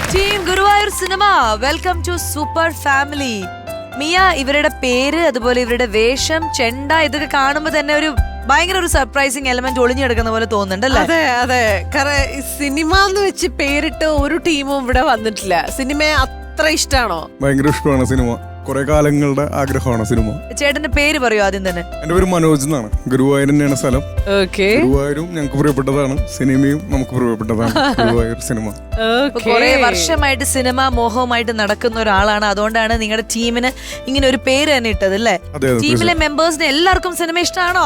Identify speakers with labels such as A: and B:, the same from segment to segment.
A: Team Guruvayur cinema welcome to super family. Mia, ഇവരുടെ പേര് അതുപോലെ ഇവരുടെ വേഷം, ചെണ്ട ഇതൊക്കെ കാണുമ്പോ തന്നെ ഒരു ഭയങ്കര ഒരു സർപ്രൈസിങ് എലമെന്റ് ഒളിഞ്ഞെടുക്കുന്ന പോലെ തോന്നുന്നുണ്ടല്ലേ?
B: അതെ അതെ, കാരണം സിനിമ എന്ന് വെച്ച് പേരിട്ട് ഒരു ടീമും ഇവിടെ വന്നിട്ടില്ല. സിനിമ അത്ര ഇഷ്ടമാണോ?
C: ഭയങ്കര ഇഷ്ടമാണ് സിനിമ. കുറെ കാലങ്ങളുടെ ആഗ്രഹമാണ് സിനിമ.
A: ചേട്ടന്റെ പേര് പറയൂ ആദ്യം തന്നെ.
C: എന്റെ പേര് മനോജ് എന്നാണ്. ഗുരുവായൂർ തന്നെയാണ് സ്ഥലം. ഗുരുവായൂരും ഞങ്ങൾക്ക് പ്രിയപ്പെട്ടതാണ്, സിനിമയും നമുക്ക് പ്രിയപ്പെട്ടതാണ്. ഗുരുവായൂർ സിനിമ
A: കുറെ വർഷമായിട്ട് സിനിമ മോഹവുമായിട്ട് നടക്കുന്ന ഒരാളാണ്. അതുകൊണ്ടാണ് നിങ്ങളുടെ ടീമിന് ഇങ്ങനെ ഒരു പേര് തന്നെ ഇട്ടത് അല്ലേ? ടീമിലെ മെമ്പേഴ്സിന് എല്ലാവർക്കും സിനിമ ഇഷ്ടമാണോ?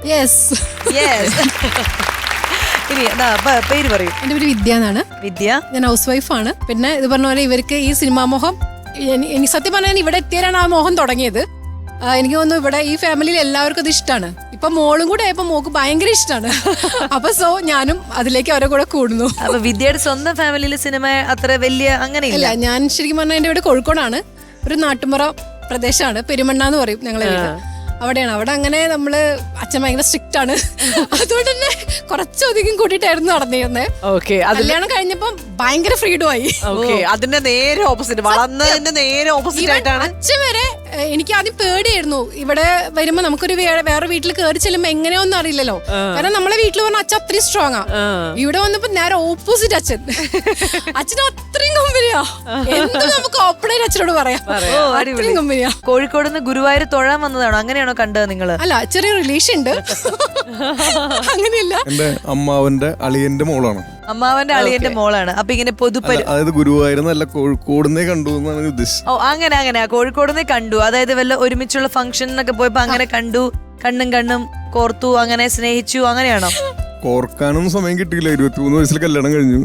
A: ഇനി പേര് പറയൂ.
D: എന്റെ പേര് വിദ്യ എന്നാണ്.
A: വിദ്യ.
D: ഞാൻ ഹൗസ് വൈഫാണ്. പിന്നെ ഇത് പറഞ്ഞ പോലെ ഇവർക്ക് ഈ സിനിമാ മോഹം, എനിക്ക് സത്യം പറഞ്ഞാൽ ഇവിടെ എത്തിയാലാണ് ആ മോഹം തുടങ്ങിയത്. എനിക്ക് തോന്നുന്നു ഇവിടെ ഈ ഫാമിലിയിൽ എല്ലാവർക്കും അത് ഇഷ്ടമാണ്. ഇപ്പൊ മോളും കൂടെ ആയപ്പോ മോക്ക് ഭയങ്കര ഇഷ്ടമാണ്. അപ്പൊ ഞാനും അതിലേക്ക് അവരെ കൂടെ കൂടുന്നു.
A: അപ്പൊ വിദ്യയുടെ സ്വന്തം ഫാമിലിയിൽ സിനിമ അത്ര വലിയ അങ്ങനെയില്ല.
D: ഞാൻ ശരിക്കും പറഞ്ഞാൽ എന്റെ ഇവിടെ കോഴിക്കോടാണ്. ഒരു നാട്ടുമ്പുറ പ്രദേശമാണ്, പെരുമണ്ണ എന്ന് പറയും ഞങ്ങളെ വീട്. അവിടെയാണ്. അവിടെ അങ്ങനെ നമ്മള് അച്ഛൻ ഭയങ്കര സ്ട്രിക്റ്റ് ആണ്. അതുകൊണ്ട് തന്നെ കുറച്ചധികം കൂട്ടിയിട്ടായിരുന്നു നടന്നിരുന്നത്. കല്യാണം കഴിഞ്ഞപ്പം ഭയങ്കര ഫ്രീഡം ആയി.
B: അതിന്റെ നേരെ ഓപ്പോസിറ്റ്, വളർന്നതിന്റെ നേരെ ഓപ്പോസിറ്റ് ആയിട്ടാണ്.
D: അച്ഛൻ വരെ എനിക്ക് ആദ്യം പേടിയായിരുന്നു. ഇവിടെ വരുമ്പോ നമുക്കൊരു വേറെ വീട്ടിൽ കയറി ചെല്ലുമ്പോ എങ്ങനെയൊന്നും അറിയില്ലല്ലോ. കാരണം നമ്മളെ വീട്ടിൽ പറഞ്ഞ അച്ഛൻ അത്രയും സ്ട്രോങ് ആ. ഇവിടെ വന്നപ്പോ നേരെ ഓപ്പോസിറ്റ് അച്ഛൻ. അച്ഛനും അത്രയും കമ്പനിയാ. എന്ത് നമുക്ക് ഓപ്പണായിട്ട് അച്ഛനോട് പറയാം. അത്രയും കമ്പനിയാ.
A: കോഴിക്കോട് നിന്ന് ഗുരുവായൂർ തൊഴാൻ വന്നതാണോ? അങ്ങനെയാണോ കണ്ടത് നിങ്ങള്?
D: അല്ല, ചെറിയ റിലേഷൻ ഉണ്ട്. അങ്ങനെയല്ല,
C: എന്റെ അമ്മാവന്റെ അളിയന്റെ മോളാണ്.
A: അമ്മാവന്റെ അളിയന്റെ മോളാണ്. അപ്പൊ ഇങ്ങനെ
C: അതായത് ഗുരുവായൂരെന്നല്ല കോഴിക്കോടുന്നേ കണ്ടു എന്നാണ് ഉദ്ദേശിച്ചത്.
A: ഓ, അങ്ങനെ കോഴിക്കോടുന്നേ കണ്ടു. അതായത് വല്ല ഒരുമിച്ചുള്ള ഫംഗ്ഷനൊക്കെ പോയപ്പോ അങ്ങനെ കണ്ടു, കണ്ണും കോർത്തു, അങ്ങനെ സ്നേഹിച്ചു, അങ്ങനെയാണോ?
C: കോർക്കാനൊന്നും സമയം കിട്ടിയില്ല. 23 വയസ്സിൽ കല്യാണം കഴിഞ്ഞു.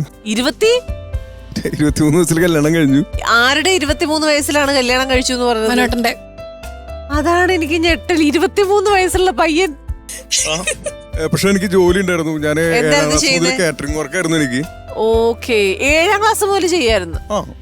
B: 23
C: വയസ്സിൽ കല്യാണം കഴിഞ്ഞു.
B: ആരുടെ 23 വയസ്സിലാണ് കല്യാണം കഴിച്ചു എന്ന് പറഞ്ഞത്?
D: മനോട്ടന്റെ.
B: അതാണ് എനിക്ക് ഞെട്ടൽ. 23 വയസ്സുള്ള പയ്യൻ.
C: പക്ഷെ എനിക്ക് ജോലി ഉണ്ടായിരുന്നു. ഞാൻ കാറ്ററിംഗ് വർക്കായിരുന്നു എനിക്ക്.
B: ഓക്കെ, 7ാം ക്ലാസ് മുതൽ ചെയ്യായിരുന്നു.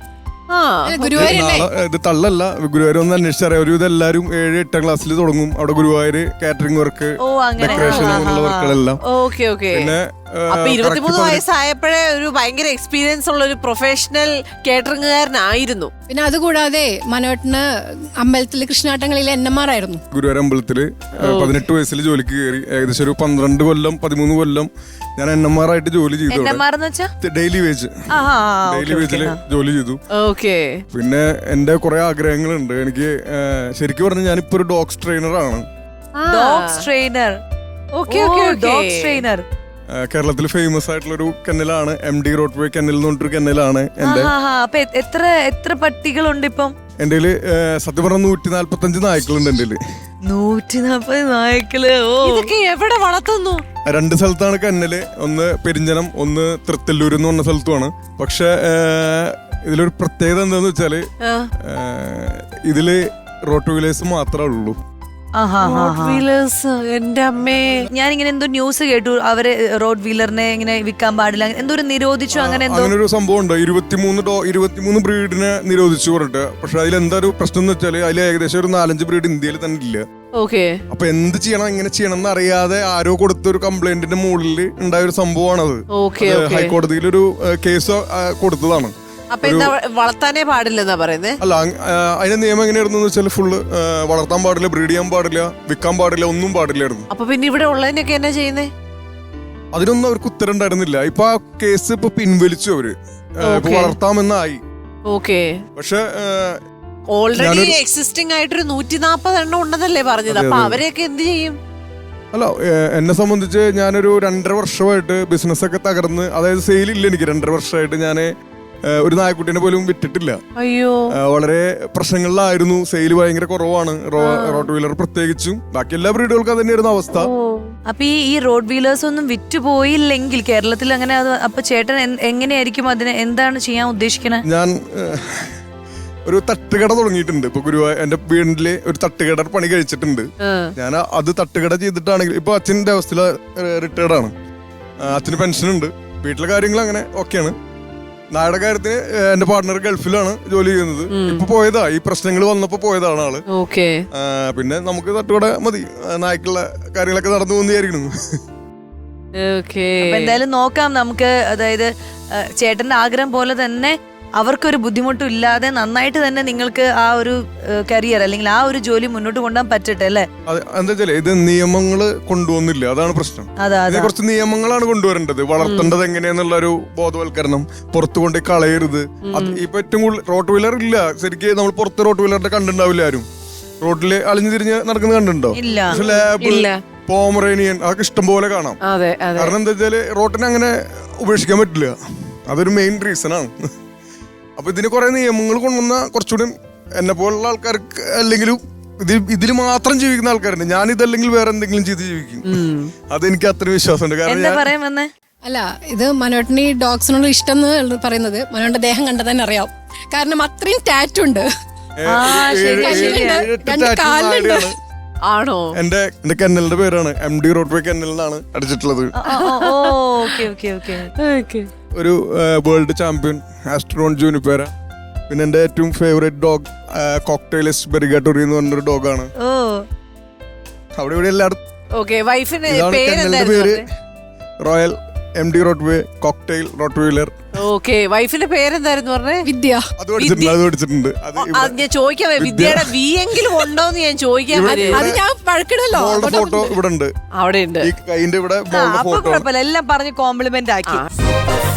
C: ഇത് തള്ളല്ല, ഗുരുവായൂർ ഒന്ന് അന്വേഷിച്ചറിയാം. ഒരു ഇതെല്ലാരും 7-8 ക്ലാസ്സിൽ തുടങ്ങും. അവിടെ ഗുരുവായൂർ കാറ്ററിംഗ് വർക്ക്, ഡെക്കറേഷൻ, അങ്ങനെയുള്ള വർക്കുകളെല്ലാം. പിന്നെ
B: 23 വയസ്സായപ്പോഴേ ഒരു ഭയങ്കര എക്സ്പീരിയൻസ് ഉള്ള ഒരു പ്രൊഫഷണൽ കേറ്ററിംഗുകാരനായിരുന്നു.
D: പിന്നെ അതുകൂടാതെ മനോട്ടിന് അമ്പലത്തില് കൃഷ്ണാട്ടങ്ങളിലെ NMR ആയിരുന്നു.
C: ഗുരുവായൂർ അമ്പലത്തില് 18 വയസ്സിൽ ജോലിക്ക് കയറി. ഏകദേശം ഒരു 12 കൊല്ലം 13 കൊല്ലം ഞാൻ NMR ആയിട്ട് ജോലി ചെയ്തു. ഡെയിലി വേജ്, ഡെയിലി വേജില് ജോലി ചെയ്തു. പിന്നെ എന്റെ കുറെ ആഗ്രഹങ്ങളുണ്ട്. എനിക്ക് ശരിക്കും പറഞ്ഞാൽ ഞാനിപ്പോ ഒരു ഡോഗ്സ് ട്രെയിനറാണ്. കേരളത്തിൽ ഫേമസ് ആയിട്ടുള്ള ഒരു കെന്നലാണ് MD റോഡ്വേ കെന്നൽ എന്ന് പറഞ്ഞൊരു കെന്നലാണ് എന്റെ.
A: എത്ര പട്ടികളുണ്ട് ഇപ്പം?
C: എന്റെ സത്യം പറഞ്ഞ 145 നായ്ക്കളുണ്ട് എന്റെ.
A: 140 നായ്ക്കള്.
B: ഇതൊക്കെ എവിടെ വളർത്തുന്നു?
C: 2 സ്ഥലത്താണ് കന്നല്. ഒന്ന് പെരിഞ്ചനം, ഒന്ന് തൃത്തല്ലൂർ എന്ന് പറഞ്ഞ സ്ഥലത്തുമാണ്. പക്ഷെ ഇതിലൊരു പ്രത്യേകത എന്താന്ന് വെച്ചാല് ഇതില് റോട്ട്വീലേഴ്സ് മാത്രമേ ഉള്ളൂ.
B: എന്റെ അമ്മേ,
A: ഞാനിങ്ങനെ എന്തോ ന്യൂസ് കേട്ടു, അവര് റോഡ് വീലറിനെ ഇങ്ങനെ വിൽക്കാൻ പാടില്ല, എന്തോ ഒരു നിരോധിച്ചു, അങ്ങനെ
C: ഒരു സംഭവം ഉണ്ട്. 23 ബ്രീഡിനെ നിരോധിച്ചു പറഞ്ഞിട്ട്. പക്ഷെ അതിലെന്താ ഒരു പ്രശ്നം എന്ന് വെച്ചാല് അതിൽ ഏകദേശം ഒരു 4-5 ബ്രീഡ് ഇന്ത്യയിൽ തന്നെ ഇല്ല. അപ്പൊ എന്ത് ചെയ്യണം, എങ്ങനെ ചെയ്യണം എന്ന് അറിയാതെ ആരോ കൊടുത്ത ഒരു കംപ്ലൈന്റിന്റെ മുകളിൽ ഉണ്ടായ ഒരു സംഭവമാണത്. ഹൈക്കോടതിയിൽ ഒരു കേസ് കൊടുത്തതാണ്.
B: അപ്പൊ എന്താ വളർത്താനേ പാടില്ലെന്നാ പറയുന്നത്?
C: അല്ല, അതിന്റെ നിയമം എങ്ങനെയായിരുന്നു വെച്ചാൽ ഫുള്ള് വളർത്താൻ പാടില്ല, ബ്രീഡ് ചെയ്യാൻ പാടില്ല, വിൽക്കാൻ പാടില്ല, ഒന്നും പാടില്ലായിരുന്നു.
B: അപ്പൊ പിന്നെ ഇവിടെ ഉള്ളതിനൊക്കെ എന്നാ ചെയ്യുന്നേ?
C: അതിനൊന്നും അവർക്ക് ഉത്തരം ഉണ്ടായിരുന്നില്ല. ഇപ്പൊ ആ കേസ് ഇപ്പൊ പിൻവലിച്ചു അവര്. വളർത്താമെന്നായി. പക്ഷെ
B: ഓൾറെഡി എക്സിസ്റ്റിംഗ് ആയിട്ടൊരു 140 എണ്ണം ഉണ്ടെന്നല്ലേ പറഞ്ഞത്. അപ്പൊ അവരെയൊക്കെ എന്ത് ചെയ്യും?
C: അല്ല, എന്നെ സംബന്ധിച്ച് ഞാനൊരു 2.5 വർഷമായിട്ട് ബിസിനസ് ഒക്കെ തകർന്ന്, അതായത് സെയിലില്ല എനിക്ക്. 2.5 വർഷമായിട്ട് ഞാന് ഒരു നായക്കുട്ടിനെ പോലും വിറ്റിട്ടില്ല. വളരെ പ്രശ്നങ്ങളിലായിരുന്നു. സെയിൽ ഭയങ്കര കുറവാണ്, റോഡ് വീലർ പ്രത്യേകിച്ചും. ബാക്കി എല്ലാ ബ്രീഡുകൾക്കും അത് തന്നെയായിരുന്നു അവസ്ഥ.
A: അപ്പൊ ഈ റോഡ് വീലേഴ്സ് ഒന്നും വിറ്റുപോയില്ലെങ്കിൽ കേരളത്തിൽ അങ്ങനെ, അപ്പൊ ചേട്ടൻ എങ്ങനെയായിരിക്കും അതിന്, എന്താണ് ചെയ്യാൻ ഉദ്ദേശിക്കുന്നത്?
C: ഞാൻ ഒരു തട്ടുകട തുടങ്ങിയിട്ടുണ്ട്. ഇപ്പൊ ഗുരുവായൂർ എന്റെ വീട്ടില് ഒരു തട്ടുകട പണി കഴിച്ചിട്ടുണ്ട് ഞാൻ. അത് തട്ടുകട ചെയ്തിട്ടാണെങ്കിൽ ഇപ്പൊ അച്ഛൻ്റെ അവസ്ഥയിൽ റിട്ടയർഡ് ആണ്. അച്ഛന് പെൻഷൻ ഉണ്ട്. വീട്ടിലെ കാര്യങ്ങൾ അങ്ങനെ ഓക്കെയാണ്. നായുടെ കാര്യത്തിന് എന്റെ പാർട്ട്ണർ ഗൾഫിലാണ് ജോലി ചെയ്യുന്നത്. ഇപ്പൊ പോയതാ, ഈ പ്രശ്നങ്ങൾ വന്നപ്പോ പോയതാണ് ആള്. പിന്നെ നമുക്ക് തട്ടുകട മതി, നായ്ക്കുള്ള കാര്യങ്ങളൊക്കെ നടന്നു പോകുന്നതായിരിക്കണം.
A: എന്തായാലും നോക്കാം നമുക്ക്. അതായത് ചേട്ടന്റെ ആഗ്രഹം പോലെ തന്നെ അവർക്കൊരു ബുദ്ധിമുട്ടും ഇല്ലാതെ നന്നായിട്ട് തന്നെ നിങ്ങൾക്ക് ആ ഒരു കരിയർ അല്ലെങ്കിൽ ആ ഒരു ജോലി മുന്നോട്ട് കൊണ്ടുപോകാൻ പറ്റട്ടെ അല്ലേ?
C: എന്താ വെച്ചാല് ഇത് നിയമങ്ങള് കൊണ്ടുവന്നില്ല, അതാണ് പ്രശ്നം. ഇതിനെ കുറച്ച് നിയമങ്ങളാണ് കൊണ്ടുവരേണ്ടത്. വളർത്തേണ്ടത് എങ്ങനെയാന്നുള്ള ഒരു ബോധവൽക്കരണം, പുറത്തു കൊണ്ട് കളയരുത്. അത് ഇപ്പൊ ഏറ്റവും കൂടുതൽ റോട്ട് വീലർ ഇല്ല ശരിക്കും. നമ്മൾ പുറത്ത് റോട്ട് വീലറിന്റെ കണ്ടിട്ടുണ്ടാവില്ല ആരും. റോഡില് അലിഞ്ഞു തിരിഞ്ഞ് നടക്കുന്നത് കണ്ടിട്ടുണ്ടോ? പക്ഷെ ലാബ്, പോമറേനിയൻ അതൊക്കെ ഇഷ്ടം പോലെ കാണാം. കാരണം എന്താ വെച്ചാല് റോട്ടിനെ അങ്ങനെ ഉപേക്ഷിക്കാൻ പറ്റില്ല. അതൊരു മെയിൻ റീസൺ ആണ്. അപ്പൊ ഇതിന് കുറെ നിയമങ്ങൾ കൊണ്ടുവന്ന കുറച്ചുകൂടി എന്നെ പോലുള്ള ആൾക്കാർക്ക്, അല്ലെങ്കിലും ഇതിൽ മാത്രം ജീവിക്കുന്ന ആൾക്കാരുണ്ട്. ഞാൻ ഇതല്ലെങ്കിൽ വേറെ എന്തെങ്കിലും ചെയ്ത് ജീവിക്കും. അതെനിക്ക് അത്ര വിശ്വാസമുണ്ട്. കാരണം
D: അല്ല, ഇത് മനോട്ടിന് ഈ ഡോഗ്സിനോട് ഇഷ്ടം എന്ന് പറയുന്നത് മനോന്റെ ദേഹം കണ്ടാൽ തന്നെ അറിയാം. കാരണം അത്രയും ടാറ്റു ഉണ്ട്.
B: ആണോ?
C: എന്റെ കെന്നലിന്റെ പേരാണ് MD റോട്ട്വേ കെന്നൽ എന്നാണ് അടിച്ചിട്ടുള്ളത്. ഒരു വേൾഡ് ചാമ്പ്യൻ ആസ്ട്രോൺ ജൂനിപ്പേര. പിന്നെ എന്റെ ഏറ്റവും ഫേവറേറ്റ് ഡോഗ് കോക്ടെയിലിസ് ബെറിഗാട്ടോറി എന്ന് പറഞ്ഞൊരു ഡോഗാണ്. അവിടെ ഇവിടെ എല്ലായിടത്തും പേര് റോയൽ MD റോട്ട്വേ കോക്ടെയിൽ റോട്ട്വീലർ.
B: വൈഫിന്റെ പേരെന്തായിരുന്നു പറഞ്ഞേ?
D: വിദ്യ.
C: അത് പഠിച്ചിട്ടുണ്ട്.
B: ഞാൻ ചോദിക്കാൻ വിദ്യയുടെ വി എങ്കിലും ഉണ്ടോന്ന് ഞാൻ ചോദിക്കാൻ.
D: അത് ഞാൻ പഴക്കിടല്ലോ.
C: ഫോട്ടോ ഇവിടെ ഉണ്ട്,
B: അവിടെ ഉണ്ട്.
C: ഈ കൈന്റെ ഇവിടെ
A: എല്ലാം പറഞ്ഞ് കോംപ്ലിമെന്റ് ആക്കി.